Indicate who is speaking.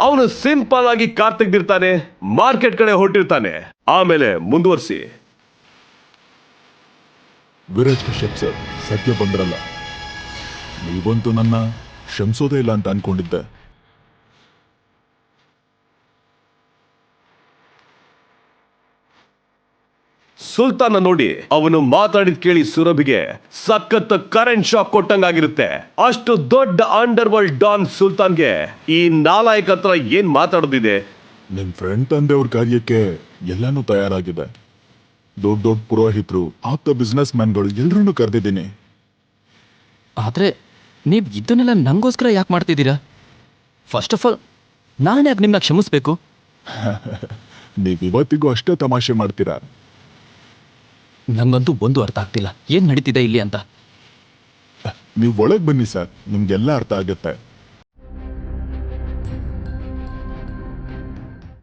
Speaker 1: ಅವನು ಸಿಂಪಲ್ ಆಗಿ car ತೆಗ್ದಿರ್ತಾನೆ, market ಕಡೆ ಹೊರಟಿರ್ತಾನೆ. ಆಮೇಲೆ ಮುಂದುವರಿಸಿ.
Speaker 2: ವಿರಾಜ್ ಕಶ್ಯಪ್ ಸರ್, ಸದ್ಯ ಬಂದ್ರಲ್ಲ, ನೀವಂತೂ ನನ್ನ ಕ್ಷಮಿಸೋದೇ ಇಲ್ಲ ಅಂತ ಅನ್ಕೊಂಡಿದ್ದೆ.
Speaker 1: ಸುಲ್ತಾನ ನೋಡಿ ಅವನು ಮಾತಾಡಿದ್ ಕೇಳಿ ಸುರಭಿಗೆ ಸಖತ್ ಕರೆಂಟ್ ಶಾಕ್ ಕೊಟ್ಟಂಗಾಗಿರುತ್ತೆ. ಅಷ್ಟು ದೊಡ್ಡ ಅಂಡರ್ ವರ್ಲ್ಡ್ ಡಾನ್ ಸುಲ್ತಾನ್ಗೆ ಈ ನಾಲಾಯಕ್ ಹತ್ರ ಏನ್ ಮಾತಾಡೋದಿದೆ?
Speaker 2: ನಿಮ್ ಫ್ರೆಂಡ್ ತಂದೆಯವ್ರ ಕಾರ್ಯಕ್ಕೆ ಎಲ್ಲಾನು ತಯಾರಾಗಿದೆ. ದೊಡ್ಡ ದೊಡ್ಡ ಪುರೋಹಿತರು, ಆಪ್ತ ಬಿಸ್ನೆಸ್ ಮ್ಯಾನ್ಗಳು ಎಲ್ರನ್ನೂ ಕರೆದಿದ್ದೀನಿ.
Speaker 3: ಆದರೆ ನೀವು ಇದನ್ನೆಲ್ಲ ನಂಗೋಸ್ಕರ ಯಾಕೆ ಮಾಡ್ತಿದ್ದೀರಾ? ಫಸ್ಟ್ ಆಫ್ ಆಲ್ ನಾನು ಯಾಕೆ ನಿಮ್ಮನ್ನ ಕ್ಷಮಿಸ್ಬೇಕು?
Speaker 2: ನೀವು ಇವತ್ತಿಗೂ ಅಷ್ಟೇ ತಮಾಷೆ ಮಾಡ್ತೀರಾ.
Speaker 3: ನಂಗಂತೂ ಒಂದು ಅರ್ಥ ಆಗ್ತಿಲ್ಲ ಏನು ನಡೀತಿದೆ ಇಲ್ಲಿ ಅಂತ.
Speaker 2: ನೀವು ಒಳಗೆ ಬನ್ನಿ ಸರ್, ನಿಮ್ಗೆಲ್ಲ ಅರ್ಥ ಆಗುತ್ತೆ.